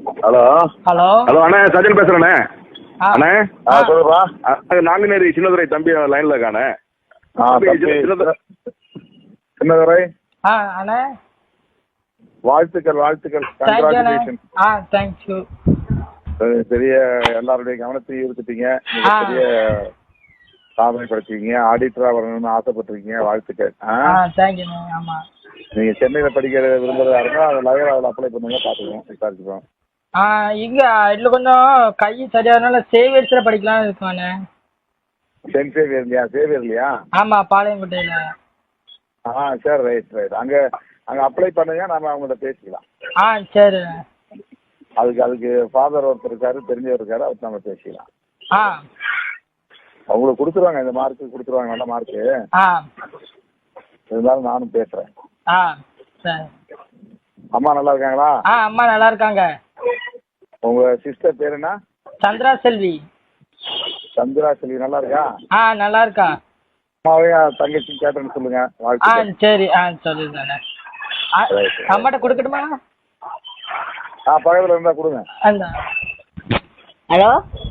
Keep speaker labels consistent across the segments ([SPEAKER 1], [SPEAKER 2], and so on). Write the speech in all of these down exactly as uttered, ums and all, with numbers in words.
[SPEAKER 1] Hello
[SPEAKER 2] hello
[SPEAKER 1] hello அண்ணே, சஜன் பேசுறேண்ணே.
[SPEAKER 2] ஆ.
[SPEAKER 1] அண்ணே
[SPEAKER 2] ஆ.
[SPEAKER 1] சொல்லுப்பா. நாங்குநேரி சின்னதுரை தம்பி லைன்ல இருக்கானே. சின்னதுரை
[SPEAKER 2] ஆ அண்ணே,
[SPEAKER 1] வாழ்த்துக்கள் வாழ்த்துக்கள்.
[SPEAKER 2] தேங்க்யூ அண்ணே.
[SPEAKER 1] கங்க்ராச்சுலேஷன்.
[SPEAKER 2] ஆ தேங்க்யூ.
[SPEAKER 1] பெரிய எல்லாருடைய கவனத்தையும் ஈர்த்துட்டீங்க.
[SPEAKER 2] ஆ.
[SPEAKER 1] பெரிய சாதனை படைச்சிருக்கீங்க. ஆடிட்டரா வரணும்னு ஆசைப்பட்டிருக்கீங்க. வாழ்த்துக்கள். ஆ
[SPEAKER 2] ஆ தேங்க்யூண்ணே. ஆமாம்,
[SPEAKER 1] நீங்க சென்னையில படிக்கிற விரும்புறதா இருந்தா அதை லயோலாவில் அப்ளை பண்ணுங்க, பார்த்துக்குவோம், விசாரிச்சுக்கோம்.
[SPEAKER 2] ஆ இங்கே இதில் கொஞ்சம் கை சரியாதனால சேவியர்ஸில் படிக்கலாம்னு இருக்கோண்ணே.
[SPEAKER 1] சென்ட் சேவியர் இல்லையா? சேவியர் இல்லையா?
[SPEAKER 2] ஆமாம், பாளையங்கோட்டையில்.
[SPEAKER 1] ஆ சரி, ரைட் ரைட். அங்கே அங்கே அப்ளை பண்ணுங்க, நம்ம அவங்கள்ட்ட பேசிக்கலாம்.
[SPEAKER 2] ஆ சரி.
[SPEAKER 1] அதுக்கு அதுக்கு ஃபாதர் ஒருத்தர் இருக்காரு, தெரிஞ்சவர் இருக்காரு, அவர்கிட்ட நம்ம பேசிக்கலாம்.
[SPEAKER 2] ஆ
[SPEAKER 1] அவங்களுக்கு கொடுத்துருவாங்க, இந்த மார்க்கு கொடுத்துருவாங்க, நல்ல மார்க்கு.
[SPEAKER 2] ஆ
[SPEAKER 1] இருந்தாலும் நானும் பேசுகிறேன்.
[SPEAKER 2] ஆ சரி.
[SPEAKER 1] அம்மா நல்லா இருக்காங்களா?
[SPEAKER 2] ஆ அம்மா நல்லா இருக்காங்க.
[SPEAKER 1] உங்கள் சிஸ்டர் பேர் என்ன?
[SPEAKER 2] சந்திரா செல்வி.
[SPEAKER 1] சந்திரா செல்வி நல்லா இருக்கா?
[SPEAKER 2] ஆ நல்லா இருக்கா.
[SPEAKER 1] அம்மாவையும் தங்கச்சி கேட்டேன்னு சொல்லுங்க.
[SPEAKER 2] ஆ
[SPEAKER 1] வாழ்த்துக்கள்.
[SPEAKER 2] சரி. ஆ சொல்லிடுறேண்ணே. ஆ அம்மாட்ட கொடுக்கட்டுமா?
[SPEAKER 1] ஆ பக்கத்தில் இருந்தால் கொடுங்க.
[SPEAKER 2] அந்த
[SPEAKER 3] ஹலோ.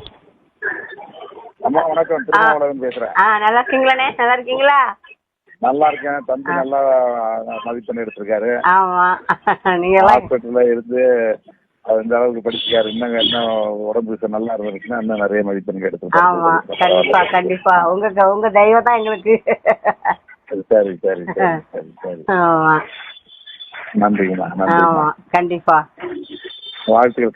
[SPEAKER 1] அம்மா வணக்கம், திருமாவளவன் பேசுகிறேன்.
[SPEAKER 3] ஆ நல்லா இருக்கீங்களாண்ணே? நல்லா இருக்கீங்களா?
[SPEAKER 1] நல்லா இருக்கேன். தம்பி நல்லா மதிப்பெண் எடுத்திருக்காரு.
[SPEAKER 3] ஆமா, நீங்க எல்லாம்
[SPEAKER 1] ஹாஸ்பிட்டல்ல இருந்து அவர் இந்த அளவுக்கு படிச்சிருக்காரு. இன்னும் இன்னும் உடம்பு நல்லா இருந்துச்சுன்னா இன்னும் நிறைய மதிப்பெண்
[SPEAKER 3] ஆமா, கண்டிப்பா
[SPEAKER 1] எடுத்து.
[SPEAKER 3] கண்டிப்பா. உங்க உங்க தெய்வம் தான் எங்களுக்கு.
[SPEAKER 1] சரி சரி சரி சரி சரி.
[SPEAKER 3] ஆமா
[SPEAKER 1] நன்றிங்கம்மா,
[SPEAKER 3] ஆமா
[SPEAKER 1] நன்றி.
[SPEAKER 3] கண்டிப்பா.
[SPEAKER 1] வாழ்த்துக்கள்.